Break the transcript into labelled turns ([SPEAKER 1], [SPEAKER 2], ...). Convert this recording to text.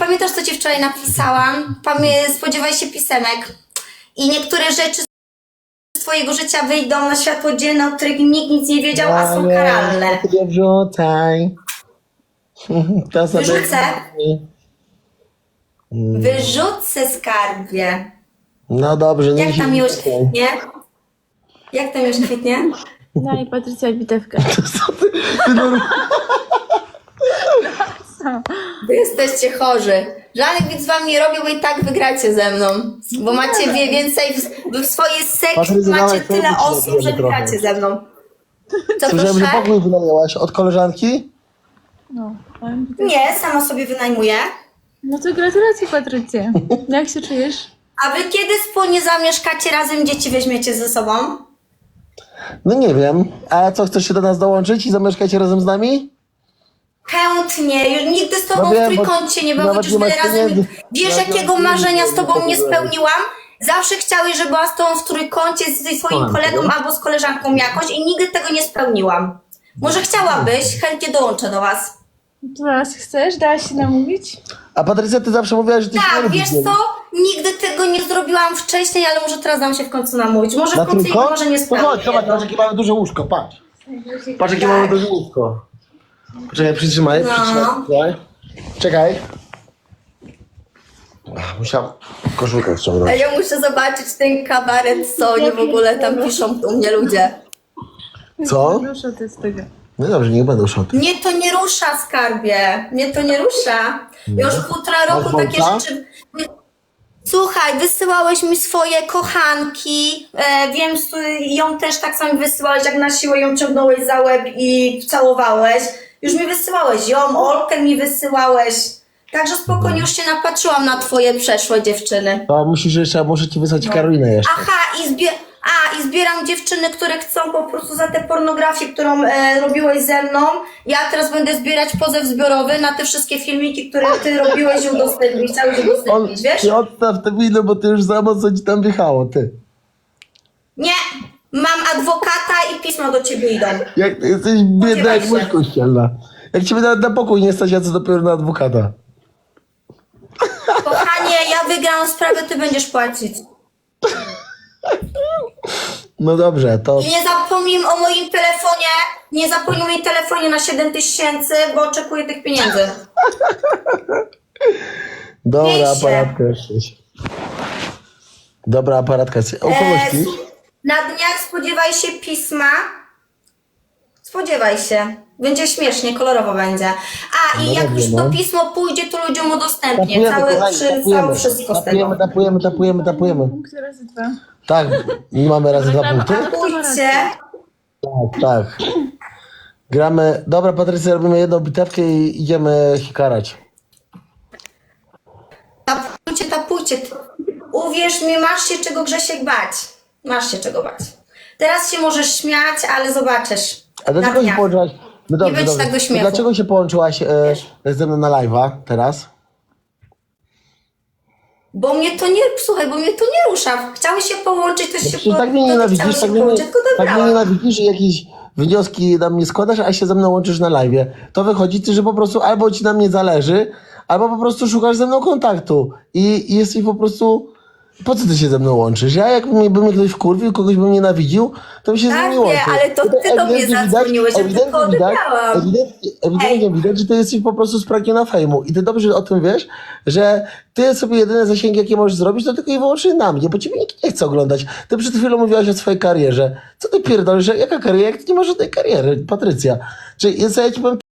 [SPEAKER 1] pamiętasz, co ci wczoraj napisałam? Spodziewaj się pisemek. I niektóre rzeczy z twojego życia wyjdą na światło dzienne, o których nikt nic nie wiedział, a są karalne.
[SPEAKER 2] Nie wrzucaj. To sobie...
[SPEAKER 1] Wyrzucę. Wyrzucę, skarbie.
[SPEAKER 2] No dobrze.
[SPEAKER 1] Jak ta miłość kwitnie? Jak ta miłość kwitnie?
[SPEAKER 3] Daj Patrycja bitewkę.
[SPEAKER 1] Wy jesteście chorzy. Żadnych widz wam nie robił, bo i tak wygracie ze mną. Bo macie więcej, w swojej sekcji
[SPEAKER 2] Patrycja,
[SPEAKER 1] macie
[SPEAKER 2] dawaj,
[SPEAKER 1] tyle
[SPEAKER 2] to
[SPEAKER 1] osób, że
[SPEAKER 2] trochę.
[SPEAKER 1] wygracie ze mną. Co
[SPEAKER 2] Słyszałem, że
[SPEAKER 1] proszę?
[SPEAKER 2] pokój wynajęłaś od koleżanki?
[SPEAKER 3] No, powiem bitewkę.
[SPEAKER 1] Nie, sama sobie wynajmuję.
[SPEAKER 3] No to gratulacje Patrycja. Jak się czujesz?
[SPEAKER 1] A wy kiedy wspólnie zamieszkacie razem, dzieci weźmiecie ze sobą?
[SPEAKER 2] No nie wiem. A co, chcesz się do nas dołączyć i zamieszkajcie razem z nami?
[SPEAKER 1] Chętnie. Już nigdy z tobą
[SPEAKER 2] No
[SPEAKER 1] w
[SPEAKER 2] wiem, bo
[SPEAKER 1] trójkącie nie było,
[SPEAKER 2] nawet
[SPEAKER 1] już
[SPEAKER 2] nie
[SPEAKER 1] tyle
[SPEAKER 2] masz
[SPEAKER 1] razy.
[SPEAKER 2] pieniędzy.
[SPEAKER 1] Wiesz,
[SPEAKER 2] Nawet nie
[SPEAKER 1] jakiego
[SPEAKER 2] masz
[SPEAKER 1] marzenia
[SPEAKER 2] pieniędzy,
[SPEAKER 1] z tobą
[SPEAKER 2] żeby
[SPEAKER 1] nie
[SPEAKER 2] to powiedzieć.
[SPEAKER 1] spełniłam? Zawsze chciałeś, żeby była z tobą w trójkącie ze swoim
[SPEAKER 2] Kocham
[SPEAKER 1] kolegą
[SPEAKER 2] cię.
[SPEAKER 1] albo z koleżanką jakoś i nigdy tego nie spełniłam. Może chciałabyś? Chętnie dołączę do was.
[SPEAKER 3] To teraz chcesz? Dałaś się namówić?
[SPEAKER 2] A Patrycja, ty zawsze mówiłaś, że ty się nie
[SPEAKER 1] Tak,
[SPEAKER 2] lubisz
[SPEAKER 1] wiesz
[SPEAKER 2] z nim.
[SPEAKER 1] co? Nigdy tego nie zrobiłam wcześniej, ale może teraz dam się w końcu namówić. Może
[SPEAKER 2] Na
[SPEAKER 1] w końcu jego
[SPEAKER 2] trójkąt?
[SPEAKER 1] może nie
[SPEAKER 2] To
[SPEAKER 1] spełnię.
[SPEAKER 2] chodź, zobacz, patrz jakie mamy duże łóżko, patrz. Patrz jakie
[SPEAKER 1] Tak.
[SPEAKER 2] mamy duże łóżko. Poczekaj, przytrzymaj,
[SPEAKER 1] No.
[SPEAKER 2] przytrzymaj. Czekaj. Ach, musiałam koszulkę
[SPEAKER 1] A
[SPEAKER 2] ściągnąć.
[SPEAKER 1] ja muszę zobaczyć ten kabaret, co oni w ogóle tam piszą u mnie ludzie.
[SPEAKER 2] Co?
[SPEAKER 3] Proszę ty z tego.
[SPEAKER 2] No dobrze, niech będą szoty.
[SPEAKER 1] Mnie to nie rusza, skarbie. Mnie to nie rusza. Ja już półtora roku
[SPEAKER 2] Masz
[SPEAKER 1] takie
[SPEAKER 2] wąsa?
[SPEAKER 1] rzeczy... Słuchaj, wysyłałeś mi swoje kochanki. Wiem, ją też tak samo wysyłałeś, jak na siłę ją ciągnąłeś za łeb i całowałeś. Już mi wysyłałeś ją, Olkę mi wysyłałeś. Także spokojnie już się napatrzyłam na twoje przeszłe dziewczyny.
[SPEAKER 2] To musisz jeszcze, muszę ci wysłać Karolinę jeszcze.
[SPEAKER 1] Aha, i zbieram dziewczyny, które chcą po prostu za tę pornografię, którą robiłeś ze mną. Ja teraz będę zbierać pozew zbiorowy na te wszystkie filmiki, które ty robiłeś i udostępnić, chciałeś udostępnić, wiesz?
[SPEAKER 2] Ty odstaw te wino, bo ty już za mocno ci tam wjechało, ty.
[SPEAKER 1] Nie, mam adwokata i pismo do ciebie idą.
[SPEAKER 2] Jak ty jesteś biedna
[SPEAKER 1] Spodziewaj
[SPEAKER 2] jak
[SPEAKER 1] się.
[SPEAKER 2] mysz kościelna. Jak ciebie nawet na pokój nie stać, a co dopiero na adwokata.
[SPEAKER 1] Kochanie, ja wygram sprawę, ty będziesz płacić.
[SPEAKER 2] No dobrze, to...
[SPEAKER 1] I nie zapomnij o moim telefonie, nie zapomnij o moim telefonie na 7000, bo oczekuję tych pieniędzy.
[SPEAKER 2] Dobra,
[SPEAKER 1] Wiecie.
[SPEAKER 2] aparatka jesteś. Dobra, aparatka jest. O kogoś śpisz?
[SPEAKER 1] Na dniach spodziewaj się pisma. Spodziewaj się. Będzie śmiesznie, kolorowo będzie. A i
[SPEAKER 2] No
[SPEAKER 1] jak
[SPEAKER 2] dobrze,
[SPEAKER 1] już
[SPEAKER 2] no.
[SPEAKER 1] to pismo pójdzie, to ludziom udostępnię.
[SPEAKER 2] Tapujemy,
[SPEAKER 1] Całe wszystko z tego.
[SPEAKER 2] tapujemy.
[SPEAKER 3] Punkty razy dwa.
[SPEAKER 2] Tak, nie mamy razy dwa punkty?
[SPEAKER 1] Pójdźcie.
[SPEAKER 2] Tak. Gramy... Dobra, Patrycja, robimy jedną bitewkę i idziemy hikarać.
[SPEAKER 1] Tapujcie. Uwierz mi, masz się czego, Grzesiek, bać. Masz się czego bać. Teraz się możesz śmiać, ale zobaczysz.
[SPEAKER 2] A dlaczego
[SPEAKER 1] Na
[SPEAKER 2] się
[SPEAKER 1] dniach.
[SPEAKER 2] połączyłaś... No dobrze,
[SPEAKER 1] będzie
[SPEAKER 2] dobrze.
[SPEAKER 1] tak do
[SPEAKER 2] To
[SPEAKER 1] śmiechu.
[SPEAKER 2] dlaczego się połączyłaś ze mną na live'a teraz?
[SPEAKER 1] Bo mnie to nie, słuchaj, bo mnie to nie rusza. Chciałeś się połączyć, to się
[SPEAKER 2] Przecież tak mnie nienawidzisz,
[SPEAKER 1] chciałeś
[SPEAKER 2] tak
[SPEAKER 1] się
[SPEAKER 2] mnie,
[SPEAKER 1] połączyć, tylko
[SPEAKER 2] tak mnie
[SPEAKER 1] dobrałam.
[SPEAKER 2] nienawidzisz i jakieś wnioski na mnie składasz, a się ze mną łączysz na live'ie. To wychodzi, że po prostu albo ci na mnie zależy, albo po prostu szukasz ze mną kontaktu i jesteś po prostu... Po co ty się ze mną łączysz? Ja jakby mnie ktoś wkurwił, kogoś bym nienawidził, to bym się z nim
[SPEAKER 1] Tak,
[SPEAKER 2] nie łączył.
[SPEAKER 1] nie, ale to ty do mnie
[SPEAKER 2] Ewidentnie
[SPEAKER 1] zadzwoniłeś, ja
[SPEAKER 2] ewidentnie
[SPEAKER 1] tylko odebrałam.
[SPEAKER 2] ewidentnie widać, że ty jesteś po prostu spragniona fejmu i ty dobrze o tym wiesz, że ty sobie jedyne zasięgi, jakie możesz zrobić, to tylko i wyłącznie na mnie, bo ciebie nikt nie chce oglądać. Ty przed chwilą mówiłaś o swojej karierze. Co ty pierdolisz? Jaka kariera? Jak ty nie masz żadnej kariery, Patrycja? Czy ja ci powiem